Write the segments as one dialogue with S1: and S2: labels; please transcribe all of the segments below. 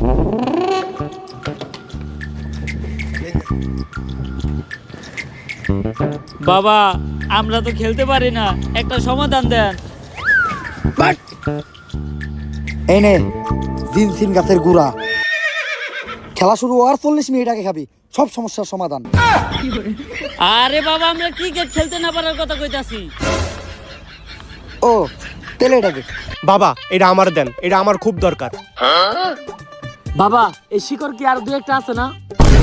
S1: বাবা আমরা তো খেলতে পারি না, একটা সমাধান দেন।
S2: এই নে জিনসিন গাছের গুড়া, খেলা শুরু হওয়ার 40 মিনিট আগে খাবি, সব সমস্যার সমাধান।
S1: আরে বাবা আমরা ক্রিকেট খেলতে না পারার কথা কইতাছি।
S2: ও তেলে এটাকে
S3: বাবা এটা আমার দেন, এটা আমার খুব দরকার।
S4: বাবা এই শিকড় কি আর দু একটা আছে না?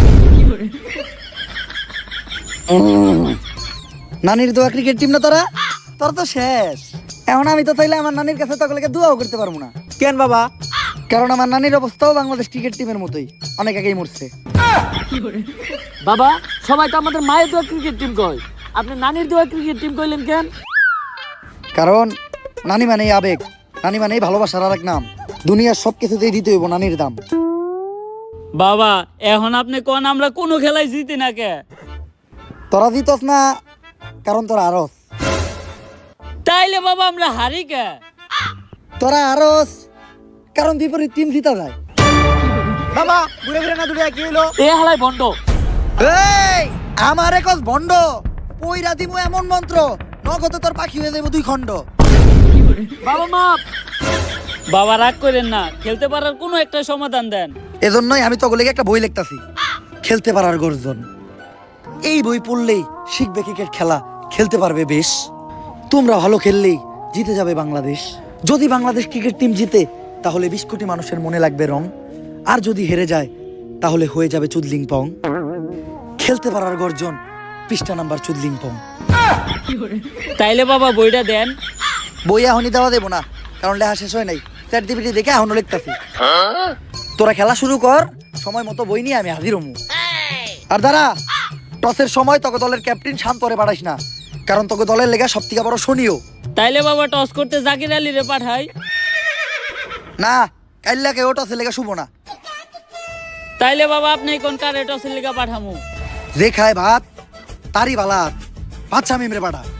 S2: নানির দোয়া ক্রিকেট টিম না তোরা, তোর তো শেষ। এখন আমি তো চাইলে আমার নানির কাছে তকলেকে দোয়াও করতে পারবো না।
S3: কেন বাবা?
S2: কারণ আমার নানির অবস্থাও বাংলাদেশ ক্রিকেট টিমের মতোই, অনেক আগেই মরছে।
S4: বাবা সবাই তো আমাদের মায়ের দোয়া ক্রিকেট টিম কয়, আপনি নানির দোয়া ক্রিকেট টিম কইলেন কেন?
S2: কারণ নানি মানেই আবেগ, নানি মানেই ভালোবাসার আর এক নাম। দুনিয়ার সব কিছুতেই দিতে হইব নানির দাম।
S1: বাবা এখন আপনি কোন আমরা কোনো খেলায় জিতি না কে?
S2: তোরা জিতস না কারণ তোরা আরস,
S1: তাইলে বাবা আমরা হারি কে?
S2: তোরা আরস কারণ বিপরীত টিম জিতা যায়।
S3: বাবা ঘুরে ফিরে না দূরে কি হলো?
S4: এ হালাই বন্ড।
S2: এই আমার একজ ভণ্ড, পইরা দিমু এমন মন্ত্র, নগদে তোর পাখি হয়ে যাবো 2 খণ্ড।
S4: বাবা মাপ।
S1: বাবা রাগ করেন না, খেলতে পারার কোনো একটা সমাধান দেন।
S2: এজন্যই আমি তগলেকে একটা বই লিখতাছি, খেলতে পারার গর্জন। এই বই পড়লেই শিখবে ক্রিকেট খেলা, খেলতে পারবে বেশ। তোমরা ভালো খেললেই জিতে যাবে বাংলাদেশ। যদি বাংলাদেশ ক্রিকেট টিম জিতে তাহলে 20 কোটি মানুষের মনে লাগবে রং, আর যদি হেরে যায় তাহলে হয়ে যাবে চুদলিং পং। খেলতে পারার গর্জন, পৃষ্ঠা নাম্বার চুদলিং পং।
S1: তাইলে বাবা বইটা দেন।
S2: বই এখনই দেওয়া দেবো না, কারণ লেখা শেষ হয় নাই। চ্যাট জিপিটি দেখে এখনো লিখতাছি। তোরা খেলা শুরু কর, সময় মতো বই নিয়ে আমি হাজির হমু। আর দাঁড়া, টসের সময় তোকে দলের ক্যাপ্টেন শান্তরে পাঠাইস না, কারণ তোকে দলের লেগা সব থেকে বড় শনিও।
S1: তাইলে বাবা টস করতে জাকির আলী রে পাঠাই।
S2: না, কাইল্লাকে ও টসের লেগা শুভ না।
S1: তাইলে বাবা আপনি কোন কারে টসের লিগা পাঠামু?
S2: যে খায় ভাত তারই বালাত, বাচ্চা মেমরে পাঠা।